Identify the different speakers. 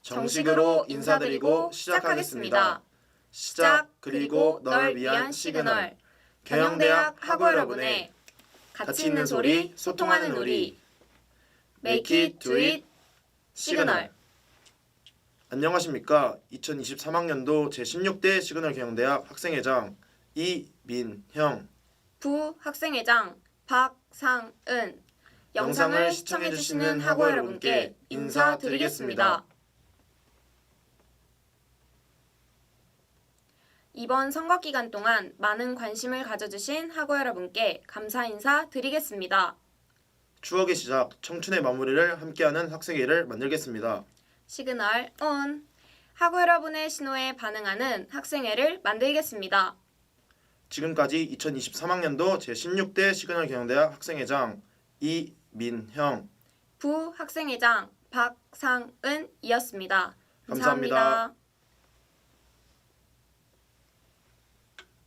Speaker 1: 정식으로 인사드리고 시작하겠습니다. 시작 그리고 널 위한 시그널. 경영대학 학우 여러분의 가치 있는 소리, 소통하는 우리. Make it, do it, 시그널.
Speaker 2: 안녕하십니까. 2023학년도 제16대 시그널 경영대학 학생회장 이민형,
Speaker 1: 부학생회장 박상은. 영상을 시청해주시는 학우 여러분께 인사드리겠습니다. 이번 선거 기간 동안 많은 관심을 가져주신 학우 여러분께 감사 인사 드리겠습니다.
Speaker 2: 추억의 시작, 청춘의 마무리를 함께하는 학생회를 만들겠습니다.
Speaker 1: 시그널 온. 학우 여러분의 신호에 반응하는 학생회를 만들겠습니다.
Speaker 2: 지금까지 2023학년도 제16대 시그널 경영대학 학생회장 이민형,
Speaker 1: 부학생회장 박상은이었습니다.
Speaker 2: 감사합니다.